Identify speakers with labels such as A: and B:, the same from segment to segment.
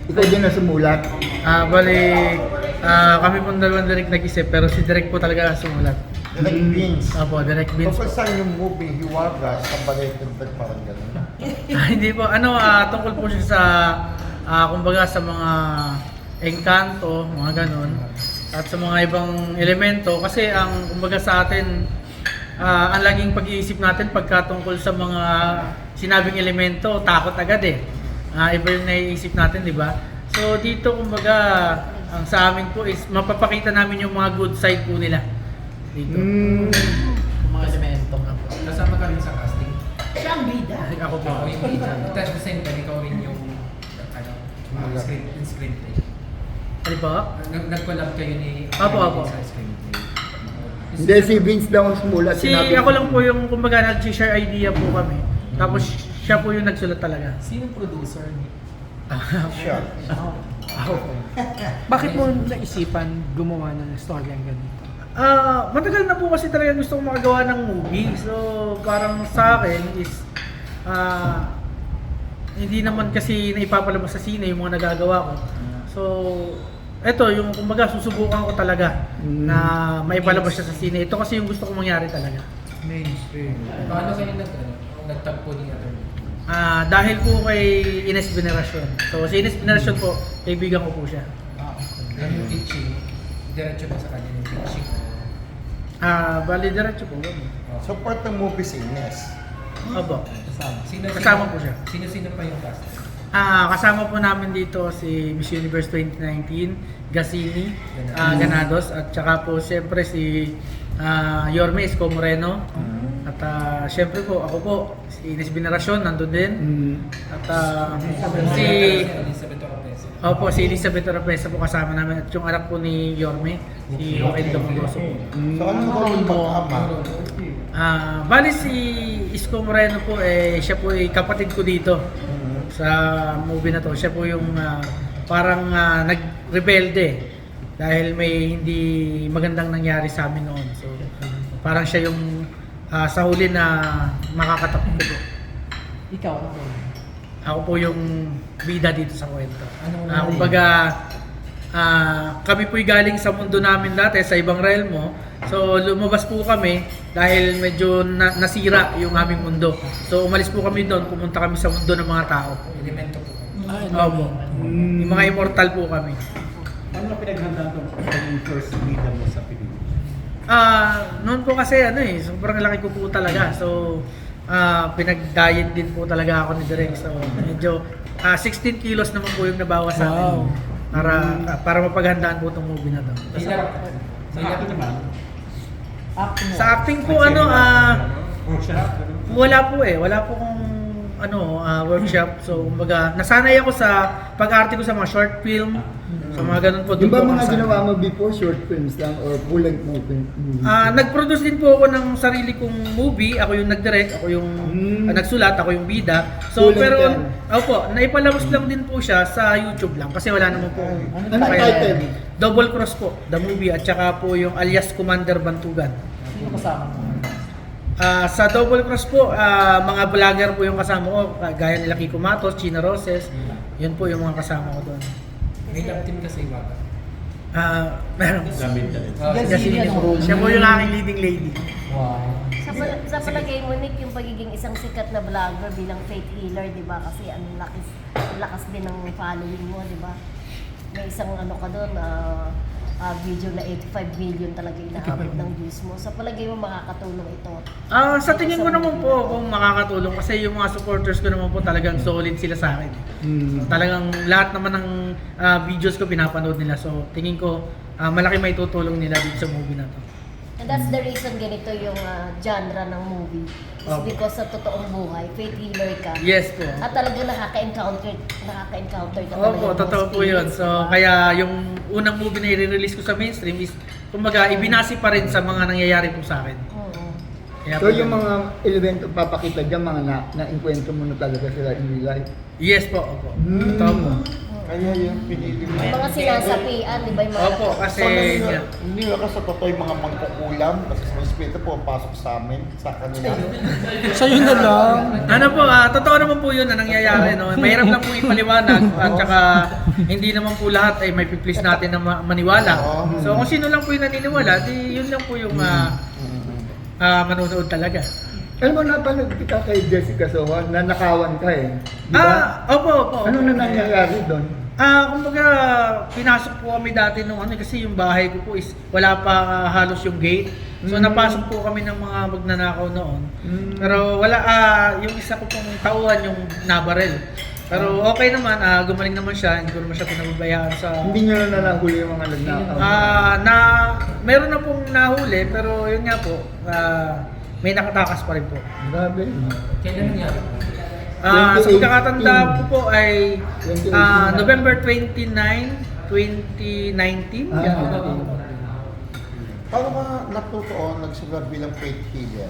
A: Ikaw din na sumulat.
B: Bali, kami pong dalawang direct nag-isip, pero si direct po talaga ang sumulat.
A: Direct Vince.
B: Opo, direct Vince po.
A: Tungkol saan yung movie, Hiwaga, sa Balay-Tagdag, parang gano'n.
B: Hindi po, tungkol po siya sa, kumbaga sa mga engkanto, mga ganun, at sa mga ibang elemento. Kasi ang, kumbaga sa atin, ang laging pag-iisip natin pagka tungkol sa mga sinabing elemento, takot agad eh. Iba yung naiisip natin, di ba? So dito, kumbaga, ang sa amin po is mapapakita namin yung mga good side po nila dito. Yung mga elemento nga po.
C: Kasama ka rin sa casting.
D: Siya ang bida.
B: Ako po.
C: Ako yung bida. Tapos at the same time, ikaw rin yung screenplay.
B: Ano po?
C: Nag-collab kayo ni
B: Apo.
C: sa screenplay.
A: Hindi, si Vince daw ang sumulat.
B: Ako lang po yung, kumbaga, nag-share idea po kami. Tapos siya po yung nagsulat talaga.
C: Sinong producer ni?
A: Siya.
B: Ako po.
E: Bakit mo naisipan gumawa ng story ang ganito?
B: Matagal na po kasi talaga gusto kong makagawa ng movie. So, parang sa akin is hindi naman kasi naipapalabas sa sine yung mga nagagawa ko. So, eto yung kumbaga susubukan ko talaga na maipalabas siya sa sine. Ito kasi yung gusto kong mangyari talaga.
E: Mainstream.
C: Paano kayo nagtagpo ni attorney?
B: Dahil po kay Ines Veneracion. So, si Ines Veneracion po, kaibigan ko po siya.
C: Ano yung pitching? Diretso ba sa kanya yung pitching?
B: Bali, diretso po.
A: So part ng movie si Ines.
B: Opo.
C: Kasama
B: po siya.
C: Sino pa yung cast?
B: Kasama po namin dito si Miss Universe 2019, Gasini, Ganados, at saka po siyempre si Yorme Isko Moreno. At siyempre po, ako po, si Ines Veneracion, nandun din. At si
C: Elizabeth Oropesa.
B: Opo, si Elizabeth Oropesa po kasama namin. At yung anak po ni Yorme, si Joaquin Domagoso po.
A: So anong role ng mag-ama?
B: Bali si Isko Moreno po, siya po ay kapatid ko dito sa movie na to. Siya po yung parang nag-rebelde dahil may hindi magandang nangyari sa amin noon. So parang siya yung sa huli na makakatakbo ko.
E: Ikaw, ano?
B: Ako po yung bida dito sa kwento.
C: Anong
B: Kumbaga, kami po'y galing sa mundo namin dati, sa ibang realmo. So, lumabas po kami dahil medyo nasira yung aming mundo. So, umalis po kami doon, pumunta kami sa mundo ng mga tao.
C: Elemento po.
B: Opo. Yung mga immortal po kami.
F: Ano na pinaghandaan ko yung first bida mo sa Pilipinas?
B: Noon po kasi sobrang laki ko po talaga. So, pinag-diet din po talaga ako ni Direk. So, medyo 16 kilos naman po yung nabawas sa akin. Para mapaghandaan po itong movie na to.
F: Sa akin naman,
B: Sa acting po,
F: workshop,
B: wala po wala po kong workshop. So, kumbaga, nasanay ako sa pag-arte ko sa mga short film. So, mga ganun po.
A: Di ba
B: Doon po
A: mga
B: ako
A: ginawa
B: nasanay.
A: mo before short films lang or full-length movie?
B: Nag-produce din po ako ng sarili kong movie. Ako yung nag-direct, ako yung nagsulat, ako yung bida. So,
A: Full-length
B: pero,
A: yan.
B: naipalabas lang din po siya sa YouTube lang. Kasi wala naman po.
A: Anong title?
B: Double Cross po, the movie. At saka po yung alias Commander Bantugan.
E: Sino kasama mo?
B: Sa Double Cross po, mga vlogger po yung kasama ko. Gaya nila Kiko Matos, Chino Roses. Yun po yung mga kasama ko doon.
C: May love team kasi Iwaga.
B: Meron.
F: gamit ka rin.
B: Siya po yung aking leading lady.
E: Wow.
D: Sa palagay mo, Nick, yung pagiging isang sikat na vlogger bilang faith healer, di ba? Kasi ang lakas din ng following mo, di ba? May isang ka doon, video na 85 million talaga inaabot ng views mo. Sa palagay mo, makakatulong ito?
B: Sa tingin ko naman po kung makakatulong kasi yung mga supporters ko naman po talagang solid sila sa akin. Talagang lahat naman ng videos ko pinapanood nila. So tingin ko malaki may tutulong nila dito sa movie na to.
D: And that's the reason ganito yung genre ng movie. Is
B: Opo.
D: because sa totoong buhay, faith healer ka.
B: Yes po.
D: At talagang nakaka-encounter ka
B: Opo,
D: ng
B: totoo po yun.
D: spirits,
B: So,
D: diba?
B: kaya yung unang movie na i-release ko sa mainstream is, kumbaga, ibinasi pa rin sa mga nangyayari po sa akin.
D: Oo.
B: Kaya
A: So
B: po
A: yung
B: yun.
A: mga elemento papakita dyan, mga na-enkwentro mo na talaga sila in real life.
B: Yes po, opo. Totoo po.
A: Kaya Kaya yung pinili mo.
D: Yung mga sinasapian, di ba yung mga
B: Opo, kasi
A: Hindi ka sa totoo yung mga mangkukulam kasi sa espiritu po pasok sa amin, sa kanila.
E: So yun na lang.
B: ano po, totoo naman po yun na nangyayari. No? Mahirap lang po ipaliwanag at saka hindi naman po lahat ay may piplis natin na maniwala. So kung sino lang po yung naniniwala, di yun lang po yung manonood talaga.
G: Alam mo, napanood kita kay Jessica Soho, na nakawan ka eh. Di ba?
B: Opo.
G: Ano na nangyayari doon?
B: Kumbaga, pinasok po kami dati nung kasi yung bahay ko po is wala pa halos yung gate. So napasok po kami ng mga magnanakaw noon. Pero wala, yung isa ko pong tauhan yung nabarel. Pero okay naman, gumaling naman siya, hindi ko naman siya pinababayaan sa...
G: Hindi nyo na nahuli yung mga nagnakaw.
B: Meron na pong nahuli, pero yun nga po, may nakatakas pa rin po.
G: Grabe.
C: Kailan nangyari?
B: Sa
G: 2018.
B: pagkakatanda ko po ay
G: 2018.
B: November 29, 2019.
A: Paano ka natutuon nagsulat bilang faith healer?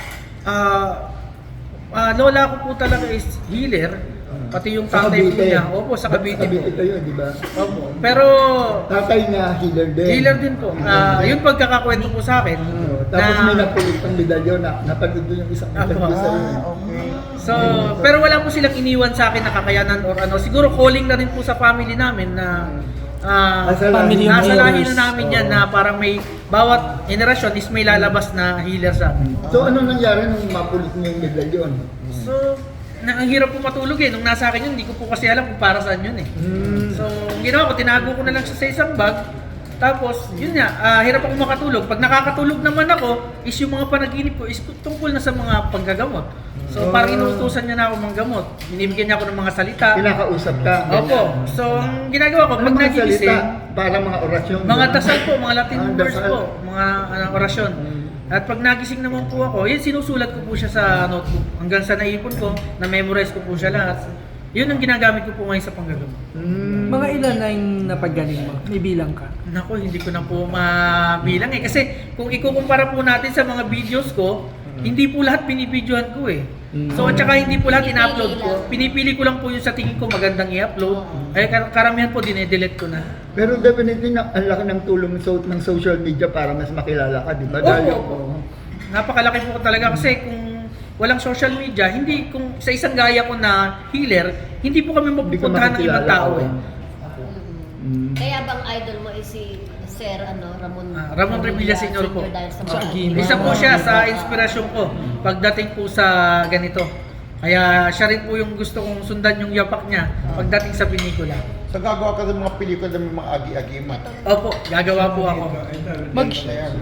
B: Lola ko po talaga is healer, pati yung
G: Sa
B: tatay po
G: Cavite.
B: niya. Opo, sa Cavite po.
G: Cavite kayo, di ba?
B: Opo. Pero
G: Tatay niya, healer din.
B: healer din po. Yung pagkakakwento po sa akin.
G: Tapos may napulit pang medalyon na napagod doon yung isang interview sa'yo.
A: Okay.
B: So, pero wala po silang iniwan sa akin na kakayanan or ano. Siguro calling na rin po sa family namin na
E: Family
B: nasa lahi
E: healers.
B: na namin yan na parang may bawat generasyon is may lalabas na healer sa amin.
G: So ano nangyari nung mapulit mo yung medalyon?
B: So, ang hirap po matulog eh. Nung nasa akin yun, hindi ko po kasi alam kung para saan yun eh. So, ang ginawa ko, tinago ko na lang siya sa isang bag. Tapos, yun nga, hirap ako makatulog. Pag nakakatulog naman ako, is yung mga panaginip ko is tungkol na sa mga panggagamot. So, parang inuutusan niya na ako manggamot. Binibigyan niya ako ng mga salita.
G: Kinakausap ka.
B: Opo. So, ang ginagawa ko,
G: Ano
B: pag
G: mga
B: nagigising,
G: salita? Parang mga orasyon.
B: mga dasal po, mga Latin
G: Ah,
B: words
G: dasal.
B: po, mga orasyon. At pag nagising naman po ako, yun sinusulat ko po siya sa notebook. Hanggang sa naipon ko, na-memorize ko po siya lahat. Yun ang ginagamit ko po ngayon sa panggagamot.
E: Mga ilan na yung napagaling mo? May bilang ka?
B: Naku, hindi ko na po mabilang eh. Kasi kung ikukumpara po natin sa mga videos ko, hindi po lahat binibidyohan ko eh. So at saka hindi po lahat in-upload ko. Pinipili ko lang po yung sa tingin ko magandang i-upload. Ay karamihan po dinedelete ko na.
G: Pero definitely ang laki ng tulong ng social media para mas makilala ka, di ba?
B: Opo. Napakalaki po talaga kasi kung walang social media, hindi kung sa isang gaya ko na healer, hindi po kami
G: Hindi ka
B: mapupuntahan ng ibang
G: makikilala,
B: tao eh.
D: Kaya bang idol mo is si Sir Ramon
B: Ramon Revilla Sr. po.
D: dahil sa
E: Sa
D: mga
E: Aguila.
B: Isa po siya sa inspirasyon ko pagdating po sa ganito. Kaya siya rin po yung gusto kong sundan yung yapak niya pagdating sa pelikula.
A: So gagawa ka ng mga pelikula ng mga agi-agimat.
B: Opo, gagawa po ako.
A: Ayan.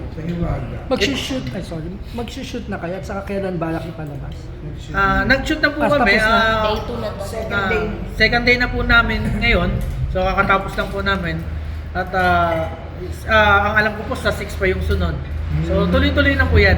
E: Mag-shoot na kayo at saka kailan balak ipalabas?
B: Nag-shoot na po
E: Tapos
B: kami.
E: tapos na.
D: day 2 na to.
B: Second day na po namin ngayon. So kakatapos lang po namin. At ang alam ko po sa 6 pa yung sunod. So tuloy-tuloy na po yan.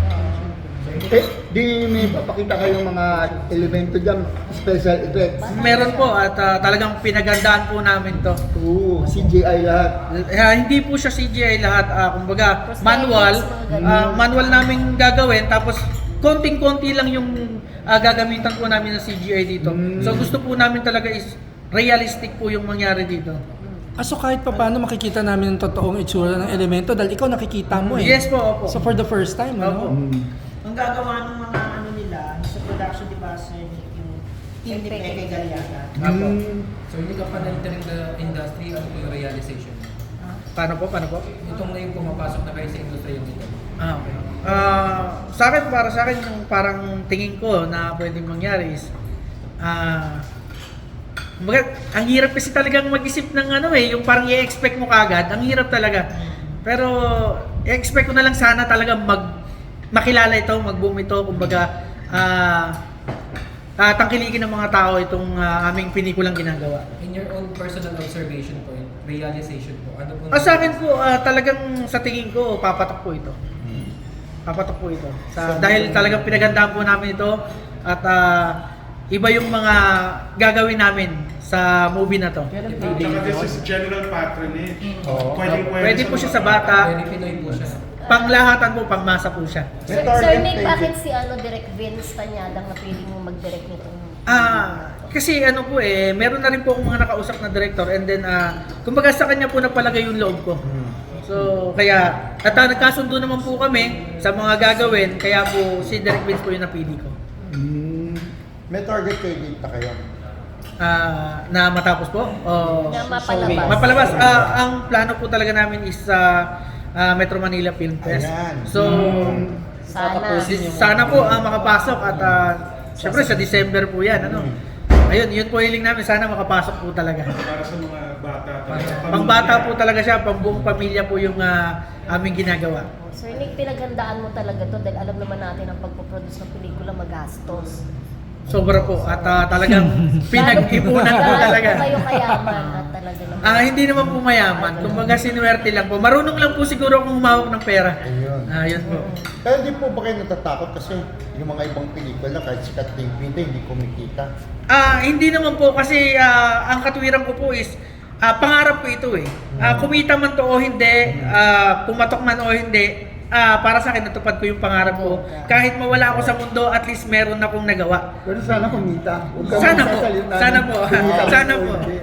G: Di may papakita kayong mga elemento dyan, special effects.
B: Meron po at talagang pinagandaan po namin to.
G: Oo, CGI lahat.
B: Hindi po siya CGI lahat. Kumbaga manual. Manual namin gagawin tapos konting-konti lang yung gagamitan po namin ng CGI dito. So gusto po namin talaga is realistic po yung mangyari dito.
E: So kahit pa paano makikita namin ang totoong itsura ng elemento dahil ikaw nakikita mo eh.
B: Yes po, opo.
E: So for the first time,
B: Opo.
E: ano?
H: Ang gagawa ng mga ano nila sa production, di ba, sir, yung Team ni Peke Galiaga.
B: Opo.
C: So hindi ka pa na-entering the industry, ano po yung realization?
B: Paano po?
C: Itong na yung pumapasok na kayo sa industriya nito.
B: Okay. Sa akin, para sa akin, yung parang tingin ko na pwedeng mangyari is, ang hirap kasi talagang mag-isip ng ano eh, yung parang i-expect mo kagad, ang hirap talaga. Pero, i-expect ko na lang sana talaga makilala ito, mag-boom ito, kumbaga, tangkilikin ng mga tao itong aming pelikulang ginagawa.
C: In your own personal observation po, realization po, ano po?
B: Sa akin po, talagang sa tingin ko, papatak po ito. Papatak po ito. Dahil talagang pinagandaan po namin ito at iba yung mga gagawin namin sa movie na to.
I: This is general patronage.
B: Pwede po siya sa bata,
C: Very Pinoy po siya.
B: panglahatan po, pangmasa po siya.
D: Sir Nick, bakit si Direk Vince Tanyadang napiling mo mag-direct nito?
B: Kasi ano po meron na rin po akong mga nakausap na director and then kumbaga sa kanya po napalagay yung loob ko. So kaya at nagkasundo naman po kami sa mga gagawin kaya po si Direk Vince po yung napili ko.
A: May target kayo dito na kayo.
B: Na matapos po?
D: Na mapalabas.
B: Mapalabas. Ang plano po talaga namin is sa Metro Manila Film Fest.
A: Ayan.
B: So, sana po makapasok at syempre sa December po yan. Ano? Ayun, yun po hiling namin. Sana makapasok po talaga.
I: Para sa mga bata.
B: Pangbata po talaga siya, pang buong pamilya po yung aming ginagawa.
D: Sir Nick, pinaghandaan mo talaga to dahil alam naman natin ang pagpoproduce ng pelikula magastos.
B: Sobra po at talagang pinag-ipunan po talaga.
D: Kayo kayaman at talaga naman.
B: Hindi naman po mayaman. Kumbaga sinuwerte lang po. Marunong lang po siguro akong humawak ng pera.
A: Ayun.
B: Yun po.
A: Pero hindi po ba kayo natatakot kasi yung mga ibang pelikula kahit sikat na yung pinta, hindi kumikita?
B: Hindi naman po kasi ang katwiran ko po is pangarap ko ito kumita man to o hindi, pumatok man o hindi, para sa akin natupad ko yung pangarap ko. Kahit mawala ako sa mundo, at least meron akong nagawa.
G: Pero sana kumita. Huwag ka
B: Sana po.
G: magsasalita
B: Sana
G: ng
B: po.
G: kumita
B: Sana
G: o
B: po.
G: hindi.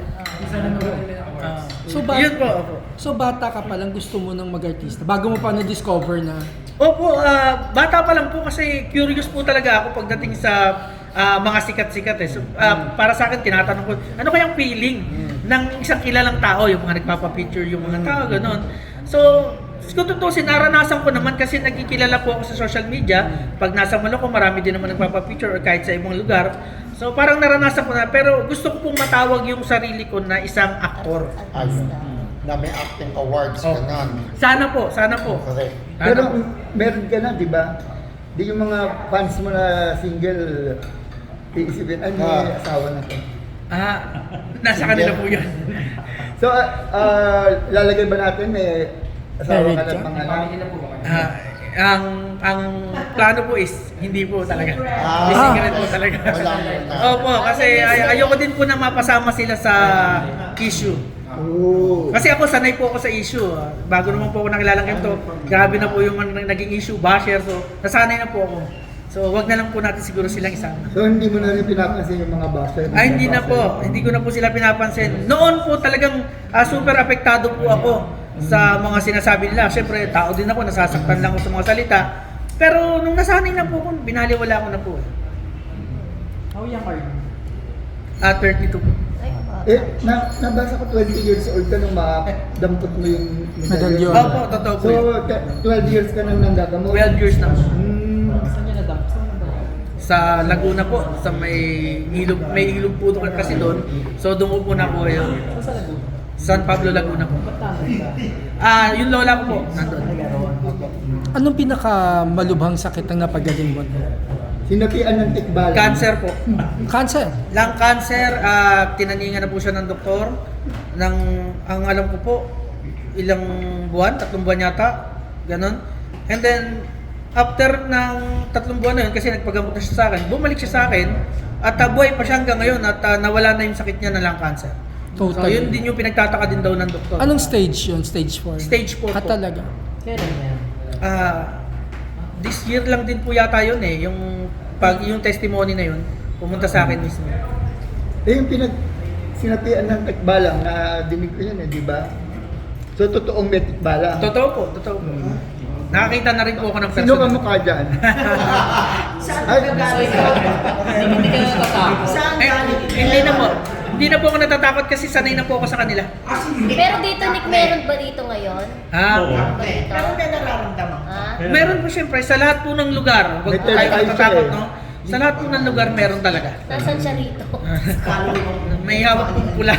B: Yun po.
E: So bata ka pa lang gusto mo ng mag-artista bago mo pa na-discover na
B: Opo, bata pa lang po kasi curious po talaga ako pagdating sa mga sikat-sikat So, para sa akin, tinatanong ko, ano kayang feeling ng isang kilalang tao, yung mga nagpapapicture, yung mga tao, gano'n. So, kung tutusin, naranasan ko naman kasi nagkikilala po ako sa social media. Pag nasa Maloko, marami din naman nagpapapicture or kahit sa ibang lugar. So, parang naranasan ko na, pero gusto ko pong matawag yung sarili ko na isang aktor.
A: Ayun. Na may acting awards ka na.
B: Sana po.
A: Correct.
G: Pero meron ka na, di ba? Di yung mga fans mo na single, iisipin, may asawa na to.
B: Nasa kanila po yun.
G: So, lalagay ba natin may asawa ka
E: Married
G: ng
E: ka?
G: mga anak?
B: Ang plano po is hindi po talaga.
A: Ah.
B: Secret po talaga.
A: Wala muna.
B: Opo, kasi ayoko din po na mapasama sila sa issue.
G: Oo.
B: Kasi ako sanay po ako sa issue. Bago naman po ako nakilalang ganito, grabe na po yung naging issue, basher. So, nasanay na po ako. So, wag na lang po natin siguro silang isama.
G: So, hindi mo na rin pinapansin yung mga basher?
B: Hindi na po. Hindi ko na po sila pinapansin. Noon po talagang super apektado po ako sa mga sinasabi nila. Siyempre, tao din ako, nasasaktan lang ako sa mga salita. Pero nung nasanay na po ako, binaliwala ko na po.
F: How young are you?
B: 32 po.
G: Nabasa ko 20 years old ka nung madampot mo yung
E: Medalyon.
B: Opo, totoo po.
G: So, 12 years ka nang nanggagamot?
B: 12 years na po.
F: Saan niya na-dump?
B: Sa Laguna po, sa may ilog po doon kasi doon. So doon po na po yun.
F: Saan sa Laguna?
B: San Pablo, Laguna po.
F: Ba't nandun ka?
B: Yung lola ko po, nandun.
E: anong pinakamalubhang sakit ang napagaling mo?
G: Sinapian ng tikbalan.
B: Cancer po.
E: Cancer.
B: Lung cancer, tinaningan na po siya ng doktor. Ang alam ko po, ilang buwan, 3 buwan yata, ganon. And then, after ng 3 buwan na yun, kasi nagpagamot na siya sa akin, bumalik siya sa akin, at buhay pa siya hanggang ngayon, at nawala na yung sakit niya na lung cancer. So,
E: Total.
B: yun din yung pinagtataka din daw ng doktor.
E: Anong stage yun? Stage 4?
B: Stage 4 po.
E: Talaga?
F: Kailan yan?
B: This year lang din po yata yun yung testimony na yun, pumunta sa akin mismo.
G: Yung sinapian ng tikbalang na dinig ko yun di ba? So, totoong may tikbalang.
B: Totoo po. Nakakita na rin po ako ng
G: Sino ka
B: personal.
G: mukha dyan?
H: Saan
G: Ay,
H: ka galing?
F: Hindi ka natatakot.
H: Saan galing?
B: Hindi na po ako natatakot kasi sanay na po ako sa kanila.
D: Pero dito, Nick, meron ba dito ngayon? Dito?
H: Ano na nararamdaman?
B: Meron po siyempre sa lahat po ng lugar. Huwag
G: May
B: po kayo
G: third eye
B: natatakot,
G: siya
B: no? Sa lahat po ng lugar meron talaga.
D: Nasaan siya rito?
B: May hawak pong pula.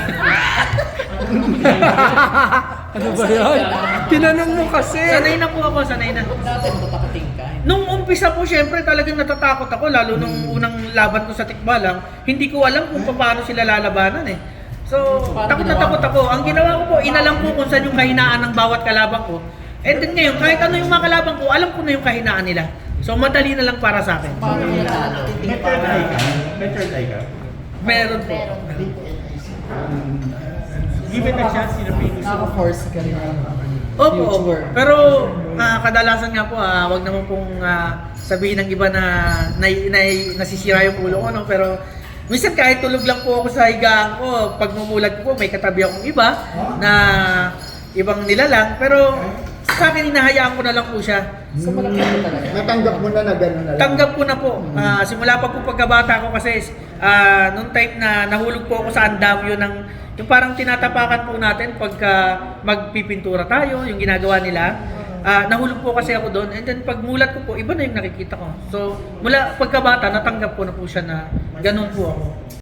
E: Ano ba yun? Tinanong mo kasi.
B: Sanay na po ako, sanay na.
F: Dati matakating ka.
B: Nung umpisa po, syempre talagang natatakot ako, lalo nung unang laban ko sa tikbalang, hindi ko alam kung paano sila lalabanan So, takot na takot ako. Ang ginawa ko po, inalam ko kung saan yung kahinaan ng bawat kalaban ko. And then ngayon, kahit ano yung mga kalaban ko, alam ko na yung kahinaan nila. So, madali na lang para sa akin.
F: Paano mo natalo? May third eye ka? May third eye ka?
B: Meron po.
D: Meron.
F: Given a chance, naka-force ka rin
B: Opo. Pero kadalasan nga po, wag naman pong sabihin ng iba na nasisira yung ulo ko, no? Pero Minsan kahit tulog lang po ako sa higaan ko, pag mumulat ko po, may katabi akong iba na ibang nilalang. Pero sa akin, hinahayaan ko na lang po siya.
C: So malaki po talaga.
G: Natanggap mo na gano'n na lang.
B: Tanggap ko na po. Simula pa po pagkabata ko kasi nung time na nahulog po ako sa andamyo ng yung parang tinatapakan po natin pagka magpipintura tayo, yung ginagawa nila. Nahulog po kasi ako doon and then pagmulat ko po, iba na yung nakikita ko. So mula pagkabata, natanggap ko na po siya na ganun po ako.